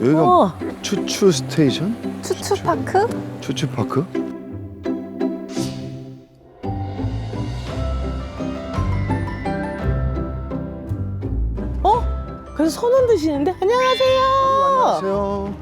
여기가 추추 스테이션? 추추파크? 추추 파크? 그래서 손 흔드시는데 안녕하세요. 안녕하세요.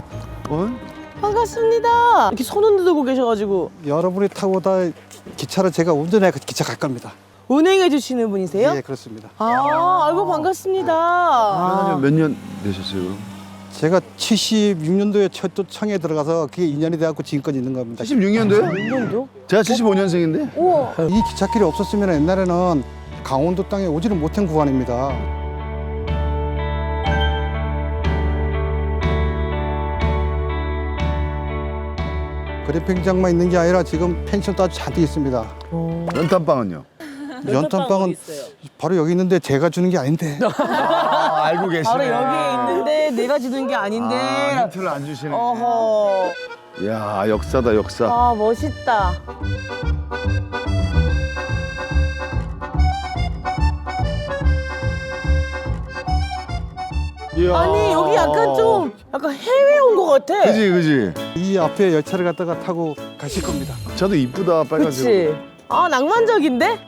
반갑습니다. 이렇게 손 흔들고 계셔가지고 여러분이 타고 다 기차를 제가 운전해 기차 갈 겁니다. 운행해 주시는 분이세요? 예, 그렇습니다. 아이고 반갑습니다. 몇 년 되셨어요, 그럼? 제가 76년도에 철도청에 들어가서 그게 2년이 돼갖고 지금까지 있는 겁니다. 76년도요? 1년도? 제가 75년생인데? 이 기찻길이 없었으면 옛날에는 강원도 땅에 오지를 못한 구간입니다. 그래픽장만 있는 게 아니라 지금 펜션도 아주 잔뜩 있습니다. 연탄빵은요? 연탄빵은 바로 여기 있는데 제가 주는 게 아닌데. 아, 알고 계시네. 바로 여기에 있는데 내가 주는 게 아닌데. 아, 힌트를 안 주시네. 어허. 이야, 역사다, 역사. 아 멋있다. 이야. 아니 여기 약간 좀 약간 해외 온 것 같아. 그지, 그지? 이 앞에 열차를 갖다가 타고 가실 겁니다. 저도 이쁘다, 빨간색. 그치? 아 낭만적인데?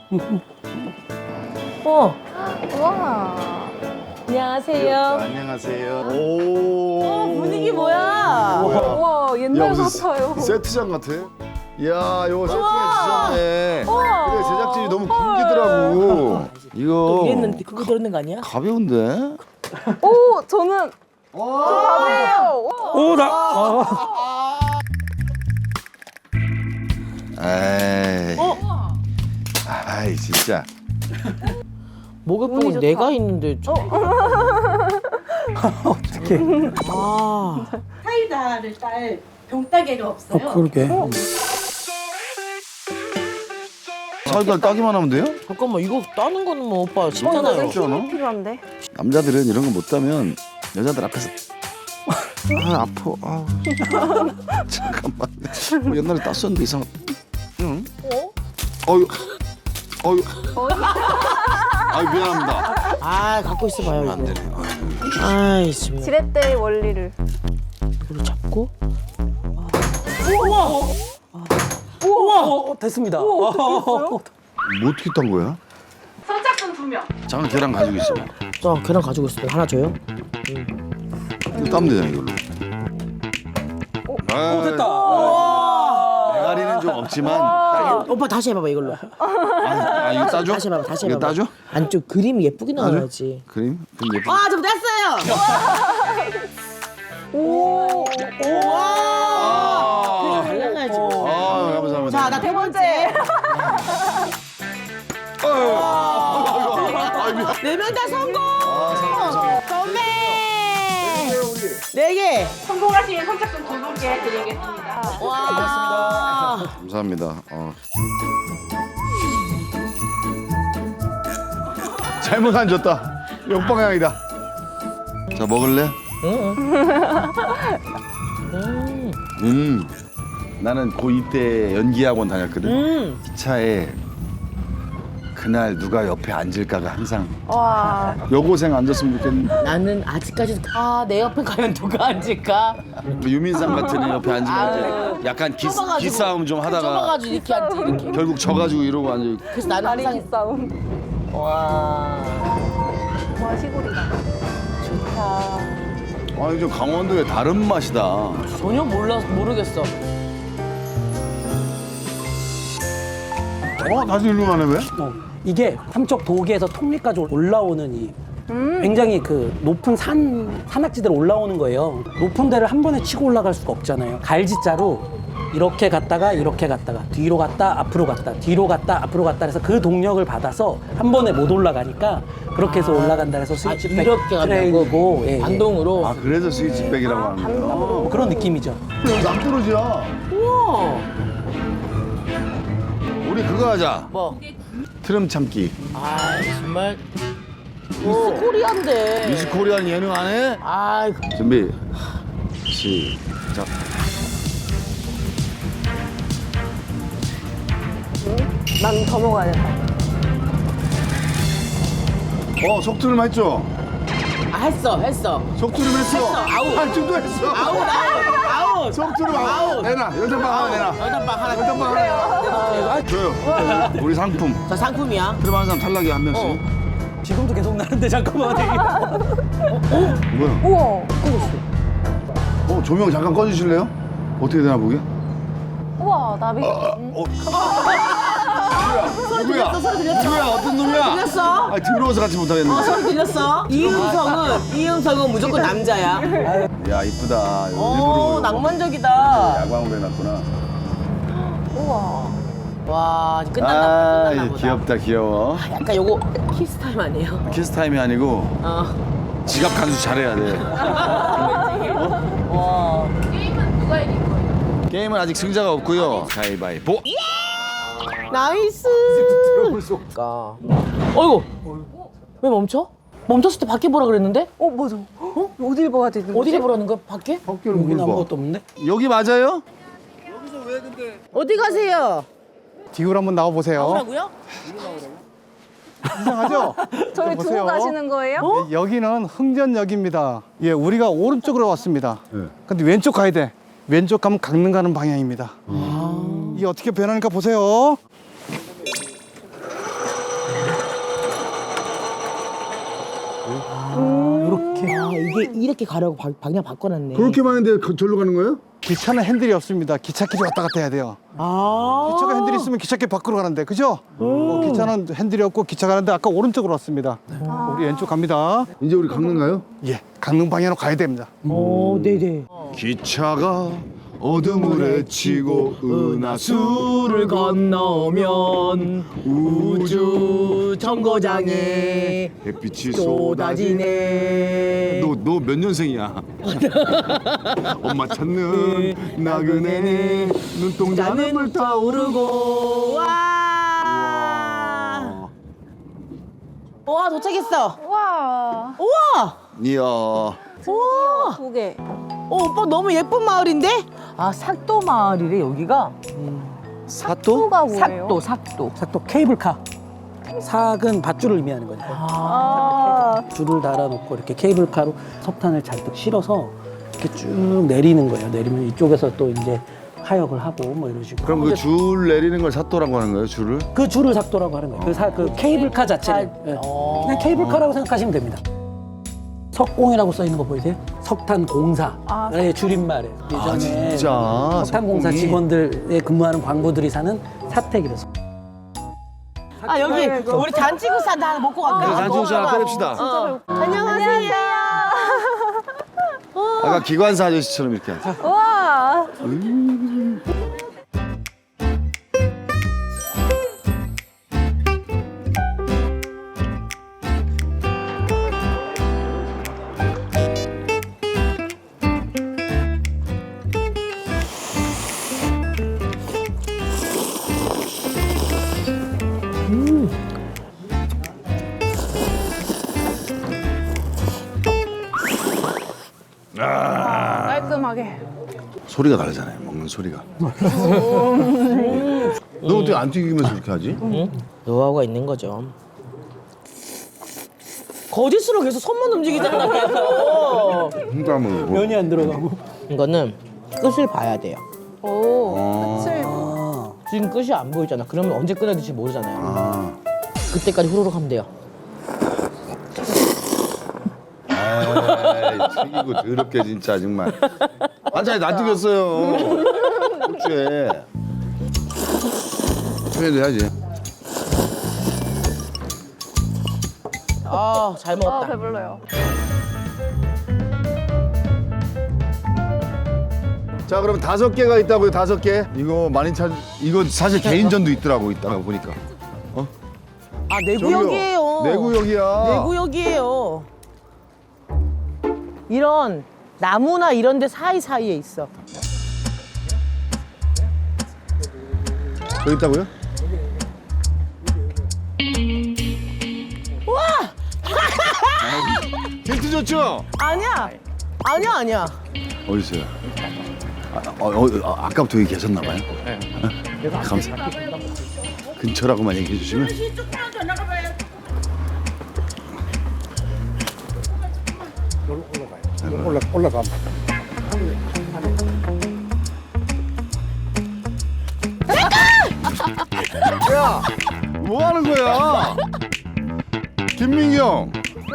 우와. 안녕하세요. 안녕하세요. 오. 분위기 뭐야? 우와, 옛날 무슨 같아요. 세트장 같아. 이야, 이거 세팅해 주셨네. 우와. 그래, 제작진이 너무 굶기더라고. 이거 이랬는데 그거 들었는 거 아니야? 가벼운데? 오, 저는 밥이에요. 에이. 아이, 진짜. 목욕봉은 내가 있는데 좀. 어떻게? 아. 사이다를 딸 병따개가 없어요. 그러게. 사이다를 따기만 하면 돼요? 잠깐만 이거 따는 거는 뭐 오빠 쉽잖아요. 쉽지 않아? 필요한데. 남자들은 이런 거 못 따면 여자들 앞에서 아, 아파. 아. 잠깐만. 뭐 옛날에 땄었는데 이상. 응? 어유. 어유. 아, 미안합니다. 아 갖고 있어봐요 이거. 안 되네. 아이 정말. 지렛대의 원리를. 이걸 잡고. 됐습니다. 뭐 어떻게 딴 거야? 선착순 2명. 잠깐 계란 가지고 있어. 자 계란 가지고 있어요. 하나 줘요. 이거 따면 되잖아, 이걸로. 됐다. 대가리는 좀 없지만. 오빠 다시 해봐봐 이걸로. 이거 따줘? 다시 해봐봐 다시 이거 해봐봐. 따줘? 안쪽 그림이 예쁘게 나와야지. 그림? 그럼 예쁘. 아좀 됐어요. 오. 와. 달라가야지. 아, 감사합니다. 자 나 세 번째. 네 명 다 성공. 건배. 네 개. 성공하시면 선착순 2분께 드리겠습니다. 와. 감사합니다. 잘못 안 줬다. 역방향이다. 자, 먹을래? 나는 고2 때 연기학원 다녔거든. 기차에 그날 누가 옆에 앉을까가 항상 와. 여고생 앉았으면 좋겠는데 나는 아직까지도 내 옆에 과연 누가 앉을까? 유민상 같은 애 옆에 앉으면 이제 약간 좁아가지고. 기싸움 좀 하다가 좁아가지고 이렇게 앉지 이렇게. 결국 져가지고 이러고 앉아. 그래서 나는 다리 항상 기싸움. 와 와, 시골이다. 좋다. 아니 좀 강원도의 다른 맛이다. 전혀 모르겠어. 다시 일로 가네 왜? 이게 삼척 도계에서 통리까지 올라오는 이 굉장히 그 높은 산악지대로 올라오는 거예요. 높은 데를 한 번에 치고 올라갈 수가 없잖아요. 갈지자로 이렇게 갔다가 뒤로 갔다 앞으로 갔다 뒤로 갔다 앞으로 갔다 해서 그 동력을 받아서 한 번에 못 올라가니까 그렇게 해서 올라간다 해서 스위치백 이렇게 간다고? 트레일이고 예, 예. 반동으로. 아 그래서 스위치백이라고 하는 거야. 뭐 그런 느낌이죠. 낭떠러지야. 우와. 우리 그거 하자. 뭐? 트럼 참기. 아 정말 미스 코리아인데. 미스 코리안 예능 안 해? 아 준비. 시작. 난 더 먹어야 된다. 속도를 맞죠? 했어. 속주름 했어. 아웃. 팔뚝도 했어. 아웃. 속주름 아웃. 내놔. 연장방 하나 내놔. 연장방 하나. 연장방 하나. 줘요. 우리 상품. 저 상품이야. 들어가는 사람 탈락이 한 명씩. 지금도 계속 나는데 잠깐만. 뭐야? 우와. 조명 잠깐 꺼주실래요? 어떻게 되나 보게? 우와, 나비. 누구야? 누구야? 어떤 놈이야? 들렸어? 아, 들어와서 같이 못하겠네. 소리 들렸어? 이음성은 무조건 남자야. 야, 이쁘다. 오, 일부러 낭만적이다. 야광으로 해놨구나. 우와. 와, 아, 끝났나 보다. 귀엽다, 귀여워. 약간 요거 키스 타임 아니에요? 키스 타임이 아니고 어. 지갑 간수 잘해야 돼. 와. 게임은 아직 승자가 없고요. 가위바위보. 나이스. 그러니까. 어이구. 왜 멈춰? 멈췄을 때 밖에 보라 그랬는데? 맞아. 어딜 봐야 되는 거지? 어디를 보라는 거야? 밖에? 학교를 여기는 봐. 아무것도 없는데? 여기 맞아요? 어디 가세요? 뒤로 한번 나와보세요. 뭐라고요? 이상하죠? 저희 보세요. 두고 가시는 거예요? 예, 여기는 흥전역입니다. 예, 우리가 오른쪽으로 왔습니다. 네. 근데 왼쪽 가야 돼. 왼쪽 가면 강릉 가는 방향입니다. 이게 어떻게 변하니까 보세요. 이렇게. 아, 이게 이렇게 가려고 방향 바꿔놨네. 그렇게 많은데 절로 가는 거예요? 기차는 핸들이 없습니다. 기찻길이 왔다 갔다 해야 돼요. 아. 기차가 핸들이 있으면 기찻길 밖으로 가는데, 그죠? 기차는 핸들이 없고 기차 가는데 아까 오른쪽으로 왔습니다. 우리 왼쪽 갑니다. 이제 우리 강릉 가요? 예, 강릉 방향으로 가야 됩니다. 네네. 기차가 어둠을 헤치고 은하수를 건너면 우주 정거장에 햇빛이 쏟아지네. 너 몇 년생이야? 엄마 찾는 나그네 눈동자는 불타오르고. 와. 와, 도착했어. 우와. 우와. 이야. 우와. 2개. 오빠 너무 예쁜 마을인데? 아, 삭도 마을이래 여기가. 사또? 가 뭐예요? 삭도. 삭도 케이블카. 삭은 밧줄을 의미하는 거니까. 아. 줄을 달아놓고 이렇게 케이블카로 석탄을 잔뜩 실어서 이렇게 쭉 내리는 거예요. 내리면 이쪽에서 또 이제 하역을 하고 뭐 이런 식으로. 그럼 그 줄 내리는 걸 사또라고 하는 거예요? 줄을? 그 줄을 삭도라고 하는 거예요. 그 케이블카 자체를. 예. 그냥 케이블카라고 생각하시면 됩니다. 석공이라고 써 있는 거 보이세요? 석탄공사의 줄임말이에요. 예전에 진짜? 석탄공사 석공이? 직원들에 근무하는 광부들이 사는 사택이라서. 아, 여기 우리 단지구사 하나 먹고 갈까? 그래, 단지구사 하나 끓입시다. 안녕하세요. 아까 기관사 아저씨처럼 이렇게 하자. 우와. 깔끔하게. 소리가 다르잖아요. 먹는 소리가. 너 어떻게 안 튀기면서 이렇게 하지? 노하우가 있는 거죠. 거짓으로 계속 손만 움직이잖아, 계속. 그러니까 뭐. 면이 안 들어가고. 이거는 끝을 봐야 돼요. 오. 끝을. 지금 끝이 안 보이잖아. 그러면 언제 끊어야 될지 모르잖아요. 아. 그때까지 후루룩 하면 돼요. 에이, 튀기고 더럽게 진짜 정말. 반찬이 다 튀겼어요. 고추에. 청해도 해야지. 아, 잘 먹었다. 배불러요. 자, 그럼 5개가 있다고요, 5개? 이거 많이 이거 사실 개인전도 있더라고, 이따가 보니까. 아, 내구역이에요. 내구역이야. 내구역이에요. 이런 나무나 이런 데 사이사이에 있어. 여기 있다고요? 와! 힌트 줬죠? 아니야. 아니야. 어디 있어요? 아까부터 여기 계셨나 봐요? 네. 감사합니다. 근처라고만 얘기해 주시면. 올라가. 야, 뭐 하는 거야? 김민기 형.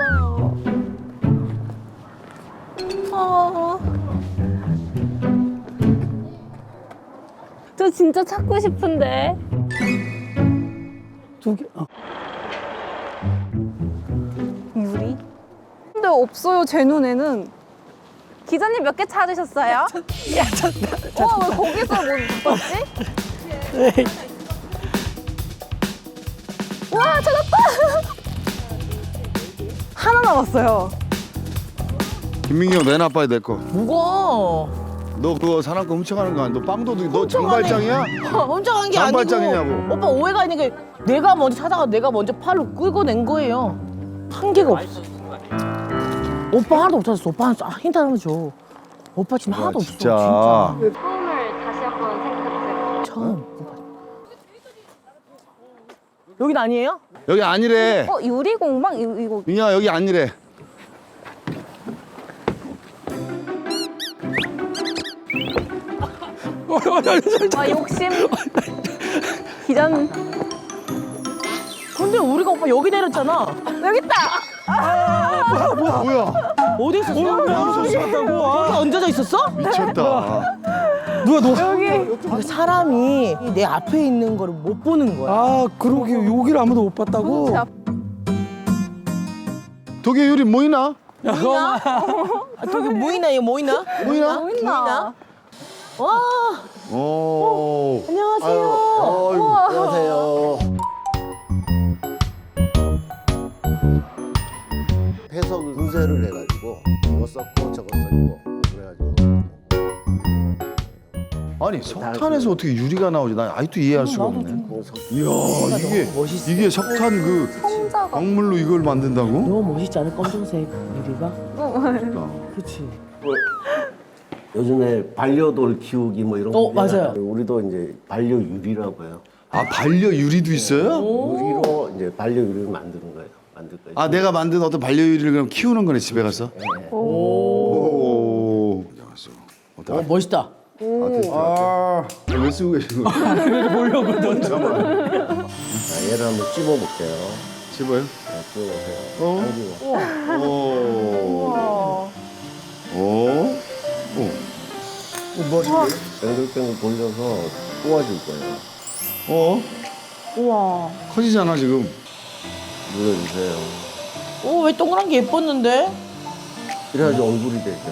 저 진짜 찾고 싶은데. 두 개. 유리? 근데 없어요, 제 눈에는. 기자님 몇 개 찾으셨어요? 야, 와, 왜 거기서 못 봤지? 와, 찾았다! 하나 남았어요. 김민기 형 내놔봐야 될 거. 무거워. 너 그거 사람거 훔쳐가는 거 아니야? 너 빵 도둑이 너 장발장이야? 혼자 간 게 아니고. 장발장이냐고. 오빠 오해가 있는 게 내가 먼저 찾아가 내가 먼저 팔로 끌고 낸 거예요. 한 개가 없어. 오빠 하나도 못 찾았어. 오빠 힌트 하나만 줘. 오빠 지금 하나도 없어. 진짜. 처음을 다시 한번 생각해보세요. 처음. 오빠. 여긴 아니에요? 여기 아니래. 유리공방? 이거. 민기야 여기 아니래. 아, 욕심. 기자님. 근데 우리가 오빠 여기 내렸잖아. 여기 있다! 뭐야? 어디 있었어? 무섭다고. 거기 얹어져 있었어? 미쳤다. 누가 너? 여기. 근데 사람이 내 앞에 있는 거를 못 보는 거야. 아, 그러게 여기를 아무도 못 봤다고. 제 앞- 독일 유리 뭐 있나? 아, 저기 모이나 이거 모이나? 보이나? 뭐 있나? 와 오. 안녕하세요. 안녕하세요. 해석을 분쇄를 해가지고 이거 썼고 저거 썼고 그래가지고 아니 석탄에서 어떻게 유리가 나오지? 난 아직도 이해할 수가 없네. 이야 이게 석탄 그 성자가. 광물로 이걸 만든다고? 너무 멋있지 않아? 검정색 유리가? 그렇지. 요즘에 반려돌 키우기 뭐 이런 거 맞아요. 우리도 이제 반려유리라고 해요. 아 반려 유리도 있어요? 유리로 이제 반려유리를 만드는 거예요. 만들 거예요. 아 내가 만든 어떤 반려 유리를 그럼 키우는 거네 집에 가서? 오. 멋있다. 왜 쓰고 계시는 거야? 보려고 넌. 자, 얘를 한번 찝어볼게요. 집어요? 자, 찝어보세요. 당기고. 오. 오. 오. 뭐 하신 거예요? 뱅글뱅글 돌려서 꼬아줄 거예요. 어? 우와. 커지잖아 지금. 눌러주세요. 왜 동그란 게 예뻤는데? 이래야지 얼굴이 되죠.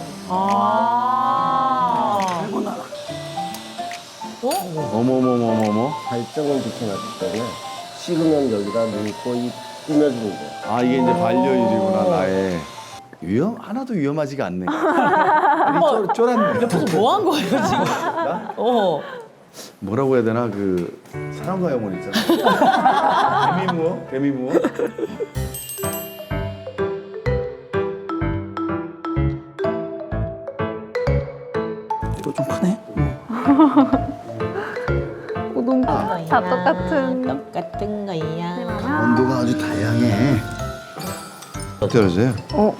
어머머머머머. 발정을 붙여놨기 때문에 식으면 여기다 넣고 이 꾸며주는 거예요. 아 이게 이제 반려 유리구나 나의. 하나도 위험하지가 않네. 아니, 쫄았네. 옆에서 뭐 한 거예요 지금? 뭐라고 해야 되나 그 사랑과 영혼 있잖아. 개미무어? 개미무어? 이거 좀 파네. 너무 다 똑같은. 똑같은 거야. 강원도가 아주 다양해. 어떠세요?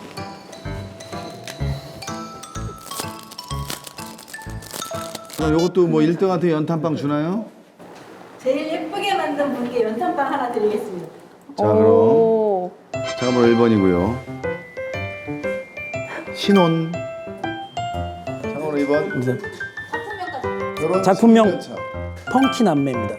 그럼 이것도 뭐 1등한테 연탄빵 주나요? 제일 예쁘게 만든 분께 연탄빵 하나 드리겠습니다. 자 그럼 오. 잠깐만 1번이고요. 신혼. 잠깐만 2번. 이제 결혼 작품명. 10년 차. 펑키 남매입니다.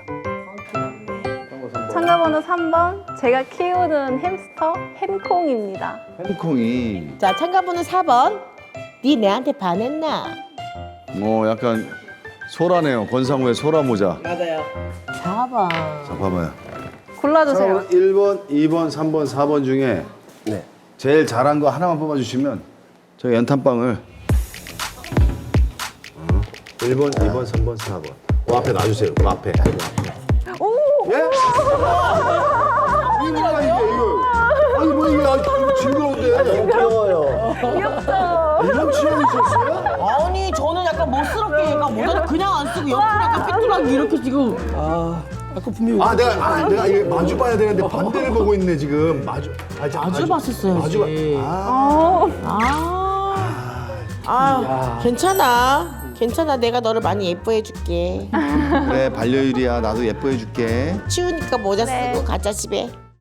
참가번호 3번. 제가 키우는 햄스터 햄콩입니다. 햄콩이 자 참가번호 4번. 네 내한테 반했나? 뭐 약간 소라네요. 권상우의 소라 모자. 맞아요. 4번. 자 봐봐요. 골라주세요. 자, 1번, 2번, 3번, 4번 중에 네. 제일 잘한 거 하나만 뽑아주시면 저희 연탄빵을 1번, 2번, 3번, 4번. 그 앞에 놔주세요. 그 앞에. 예? 이거 뭐야 이거? 아니 뭐 이거 징그러운데? 귀여워요. 이런 취향이 있었어요? 아니 저는 약간 멋스럽게 약간 모자를 그냥 안 쓰고 옆으로 약간 삐뚤하게 이렇게 지금. 아까 분명히 내가 이게 마주 봐야 되는데 반대를 보고 있네 지금. 마주 마주 봤었어야지. 마주 봐. 아. 아 괜찮아. 괜찮아. 내가 너를 많이 예뻐해 줄게. 그래 반려율이야 나도 예뻐해줄게. 치우니까 모자 네. 쓰고 가자 집에.